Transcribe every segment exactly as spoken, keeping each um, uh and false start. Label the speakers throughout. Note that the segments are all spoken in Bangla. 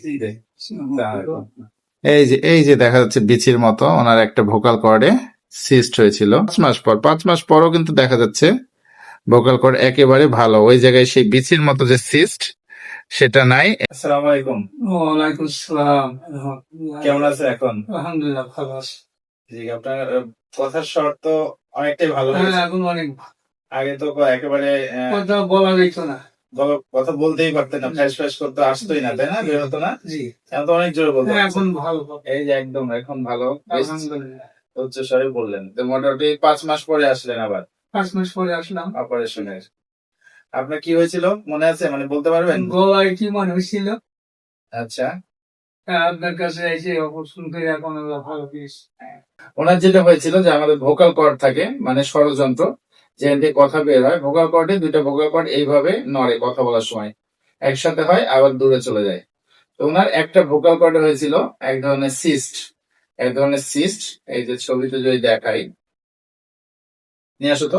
Speaker 1: এই যে এই যে দেখা যাচ্ছে বিচির মতো ওনার একটা ভোকাল কর্ডে সিস্ট হয়েছিল পাঁচ মাস পর পাঁচ মাস পরও কিন্তু দেখা যাচ্ছে ভোকাল কর্ড একেবারে ভালো, ওই জায়গায় সেই বিচির মতো যে সিস্ট সেটা নাই। আসসালামু আলাইকুম।
Speaker 2: ওয়ালাইকুম আসসালাম।
Speaker 1: কেমন আছে এখন?
Speaker 2: আলহামদুলিল্লাহ ভালো আছি।
Speaker 1: জি, আপনার আহ, কথার স্বর তো অনেকটাই ভালো
Speaker 2: হ্যাঁ,
Speaker 1: হয়েছে।
Speaker 2: এখন অনেক
Speaker 1: আগে তো একেবারে আহ,
Speaker 2: কথা বলা যেত না।
Speaker 1: গলা- কথা বলতেই পারতেন না, ফ্যাস ফ্যাস করতে আসতোই না, তাই না? বের হতো না।
Speaker 2: জি,
Speaker 1: এখন তো অনেক জোরে বলতে
Speaker 2: হ্যাঁ,
Speaker 1: পারছেন।
Speaker 2: এখন ভালো কথা।
Speaker 1: এই যে একদম এখন ভালো, বেশ
Speaker 2: আলহামদুলিল্লাহ।
Speaker 1: উচ্চ স্বরে বললেন। তো মোটামুটি পাঁচ মাস পরে আসলেন আবার
Speaker 2: পাঁচ মাস পরে আসলাম।
Speaker 1: অপারেশনের। আপনার কি হয়েছিল মনে আছে, মানে বলতে পারবেন?
Speaker 2: গলায় কি মনে হয়েছিল?
Speaker 1: আচ্ছা,
Speaker 2: হ্যাঁ, আপনার কাছে এসে অপারেশন করে এখন আল্লাহ ভালো পেয়েছি।
Speaker 1: ওনার যেটা হয়েছিল যে আমাদের ভোকাল কর্ড থাকে, মানে স্বরযন্ত্র যেখান থেকে কথা বের হয়, ভোকাল কর্ডে দুইটা ভোকাল কর্ড এইভাবে নড়ে কথা বলার সময়, একসাথে হয় আবার দূরে চলে যায়। তো ওনার একটা ভোকাল কর্ডে হয়েছিল এক ধরনের সিস্ট, এক ধরনের সিস্ট। এই যে ছবিতে যদি দেখাই, নিয়ে আসো তো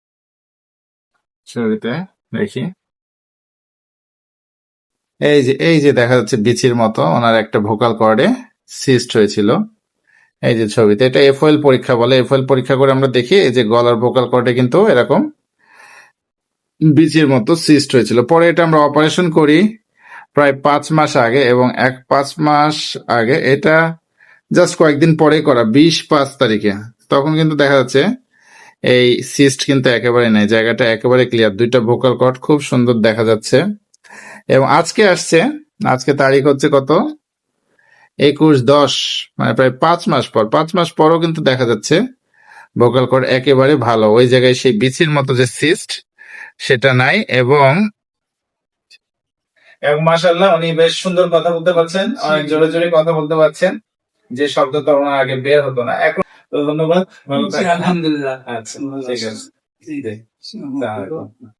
Speaker 1: ছবিতে দেখি। এই যে এই যে দেখা যাচ্ছে বিচির মতো ওনার একটা ভোকাল কর্ডে সিস্ট হয়েছিল। এই যে ছবিতে, এটা এফওএল পরীক্ষা বলে। এফওএল পরীক্ষা করে আমরা দেখি এই যে গলার ভোকাল কর্ডে কিন্তু এরকম বিচির মতো সিস্ট হয়েছিল। পরে এটা আমরা অপারেশন করি প্রায় পাঁচ মাস আগে, এবং এক পাঁচ মাস আগে এটা জাস্ট কয়েকদিন পরেই করা, বিশ পাঁচ তারিখে। তখন কিন্তু দেখা যাচ্ছে এই সিস্ট কিন্তু একেবারে নেই, জায়গাটা একেবারে ক্লিয়ার, দুইটা ভোকাল কর্ড খুব সুন্দর দেখা যাচ্ছে। এবং আজকে আসছে, আজকে তারিখ হচ্ছে কত, একুশ দশ, মানে প্রায় পাঁচ মাস পর, পাঁচ মাস পরও কিন্তু দেখা যাচ্ছে ভোকাল কর্ড একেবারে ভালো, ওই জায়গায় সেই বিচির মতো যে সিস্ট সেটা নাই। এবং এবং মাশাআল্লাহ উনি বেশ সুন্দর কথা বলতে পারছেন, অনেক জোরে জোরে কথা বলতে পারছেন, যে শব্দটা ওনার আগে বের হতো না। এখন তো ধন্যবাদ, ভালো থাকবেন।
Speaker 2: আলহামদুলিল্লাহ।
Speaker 1: আচ্ছা, ঠিক আছে।